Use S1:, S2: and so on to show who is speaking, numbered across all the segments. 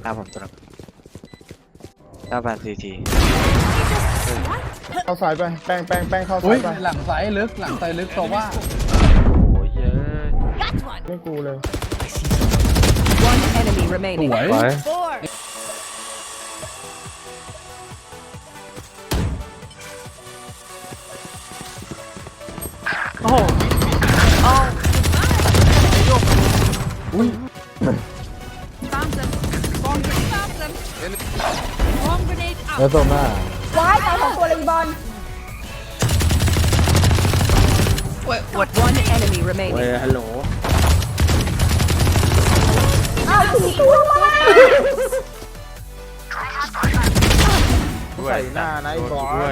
S1: หน้าผมตัวนึง98 CT
S2: เข้าซ้ายไปแป้งเข้า
S3: อุ้
S2: ซ้าย ยไป
S3: หลังซ้ายลึกตัวว่า
S1: โอ้ยเยอะ
S2: ไม่กูเลย
S4: One enemy
S3: ส
S4: remaining.
S3: วย
S1: ไป
S3: อุ้ย
S4: Found them. Bomb grenade. Found them. Bomb grenade
S3: แล้ว
S4: out.
S3: ตัวหน้า
S5: ว้ายตายสองตัวเลยอีบอล
S4: One enemy
S1: เว้ย
S4: remaining.
S1: ฮัลโหล
S5: อ้าวสี่ตัวมา
S2: ใส่หน้านะไอ้บอส
S1: ด้วย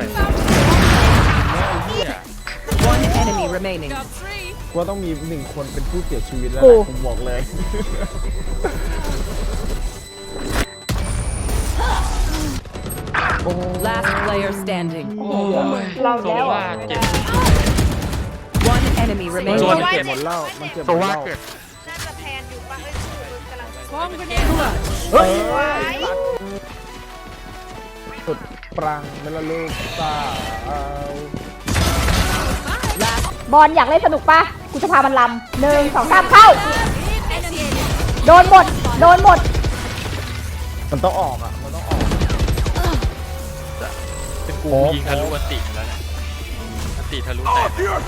S4: One enemy remaining.
S2: ว่าต้องมี1 คนเป็นผู้เสียชีวิตแล้วแหละผมบอกเลย
S4: Last player standing.
S5: เราแล้วอ่ะ
S4: One enemy
S2: มัน
S4: remaining.
S2: เก็บหมดเหล้ามันเก็บหมดเหล้า
S6: น่าจะแพนอยู่ปะเอ้ยกำลัง
S4: Bomb grenade out.
S2: เฮ้ย
S6: ไว้
S2: สุดปรังเมลลูกตาเอา
S4: Last
S5: บอลอยากเล่นสนุกปะกูจะพามันลำ1 2 3เข้า โดนหมด โดนหมด
S2: มันต้องออกอ่ะมันต้องออก
S1: เป็นกูยิงทะลุอันติแล้วเนี่ยอันติทะลุแตก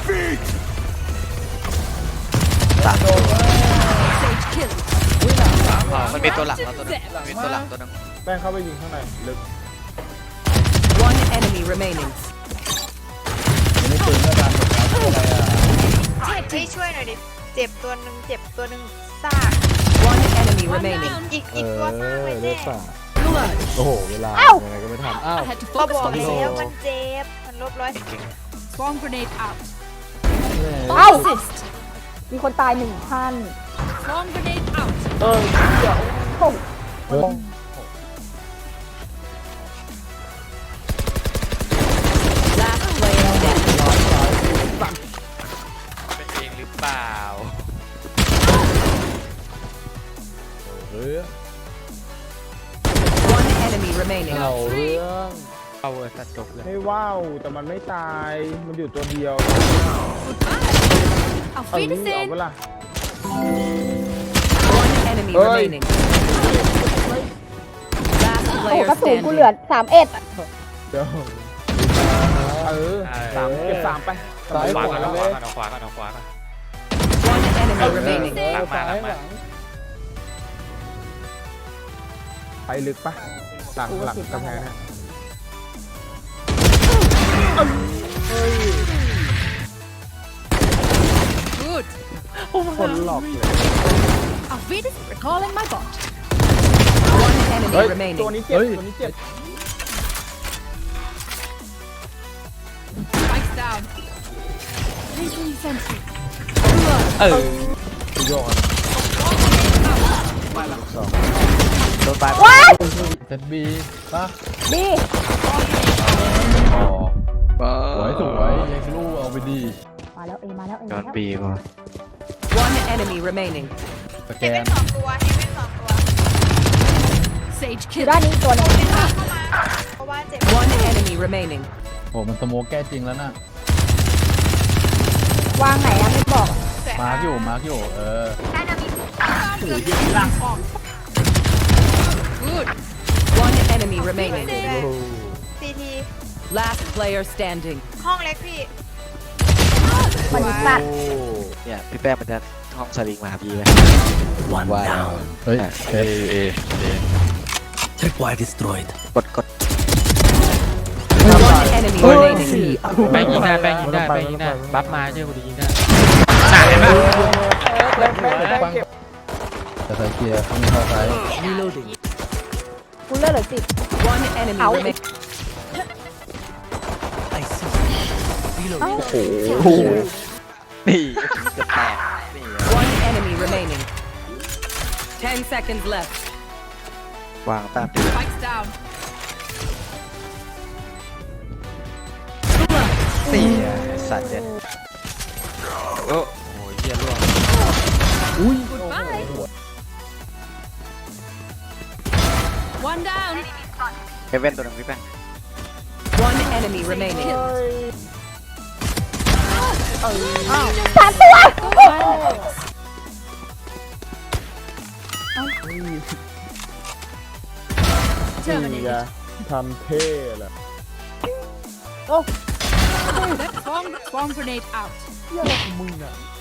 S1: สามตัวมันมีตัวหลังแล้วตัวนึงมีตัวหลังตัวนึง
S2: แป้งเข้าไปยิงข้างในลึก
S4: one enemy remaining.
S3: ไม่ปืนก็ดังอะไรอ่ะ
S6: ให้ช่วยหน่อยดิ เจ็บตัวหนึ่งเจ็บตัวหนึ่งซาก
S4: One enemy remaining.
S6: อีกตัวซากเลย
S3: เลื
S6: แน่
S3: อดสาดโอ้โหเวลา
S5: เอ้า
S3: ยังไงก็ไม่ทันอ้าว
S4: I had to
S6: ก็
S4: focus
S6: บอก
S4: on
S6: แล้
S4: this.
S6: วมันเจ็บ มันลบร้อย
S4: Bomb grenade out.
S5: เอ้า มีคนตาย1 ท่าน
S4: Bomb grenade out.
S5: โอ้
S3: เฮ้ย
S4: Last player standing.
S1: เป็นเองหรือเปล่า
S3: เฮ้ย
S4: One enemy remaining.
S3: เราเรื่อง
S1: เอาเวอร์สัตว์จบเลย
S2: ไม่ว้าวแต่มันไม่ตายมันอยู่ตัวเดียว
S4: Auf
S2: เอานี่เอาเวลา
S4: One enemy
S2: Oi.
S4: remaining. Last
S5: โอ้โห
S4: player
S5: กระสุนกูเหลือ
S4: standing.
S5: 31
S2: เดี๋ยวสามเก็บ3ไป
S3: ซ้าย
S1: ขวา
S3: ขวา
S1: ก่อน
S3: เล
S1: เอา
S3: ย
S1: ขวาก่อนเอาขวาก่อน
S4: One enemy remaining.
S1: หลังมาหลังมา
S2: ไปลึกปะหลังกำแพงนะ
S4: Good.
S2: คนหลอกเลย
S4: Auf Wiedersehen. Recalling my bot. One
S2: เฮ้ย
S4: enemy remaining.
S2: ตัวนี้เจ็บตัวนี้เจ็บ
S4: Spikes down. Placing sentry.
S1: เออ
S2: โยน
S1: โดนไป
S5: ว้าย
S3: เซตบีป่ะ
S5: ดี
S3: อ๋อสวยเล็กลูกเอาไปดี
S5: มาแล้วมาแล้ว
S1: โดนบีป่ะ
S4: One enemy remaining.
S3: สแก
S6: เฮเว่
S3: น
S6: น2 ตัวเฮเว่น2 ตัว
S4: Sage
S5: อยู่
S4: kill.
S5: ด้านนี้ตัวหนึง
S6: เข้ามาเพราะว่าเจ็บ
S4: One enemy remaining.
S3: โอ้มันสโมกแก้จริงแล้วน่ะ
S5: วางไหนอะไม่บอก
S3: มาร์กอยู่เออ
S4: Good. One enemy remaining.
S6: ซีที
S4: Last player standing.
S6: ห้องเล็กพี่
S5: มันสัตว์
S1: เนี่ยพี่แป้งมันจะห้องสลิงมาหาพี่ไหม
S7: One
S1: ว่า
S7: down.
S3: เฮ้ยเซต
S7: Tripwire destroyed.
S1: กด
S4: One enemy remaining.
S1: แป้งยิงได้แป้งยิงได้บัฟมาเชื่อกูดียิงได้
S3: ปังจะใส่เกียร์ต้องเข้าซ้าย
S7: Reloading.
S5: กูเลือดเหลือ10
S4: One enemy
S5: Ow.
S4: remaining.
S7: I see.
S5: เอ้า
S7: Reloading.
S1: นี่จะแตกนี่
S4: One enemy remaining. 10 seconds left.
S1: วางตามตี
S4: Spikes down.
S1: สี่สัตว์เจ็ดโอ้โหเหี้ยร่วง
S3: อุ้ย
S4: Goodbye. One down.
S1: เฮเว่นตัวหนึ่งพี่แป้ง
S4: One enemy remaining.
S5: สามตัว
S2: นี่ไงทำเท่แหละ
S4: Bomb grenade out.
S2: เหี้ยอะไรของมึงอ่ะ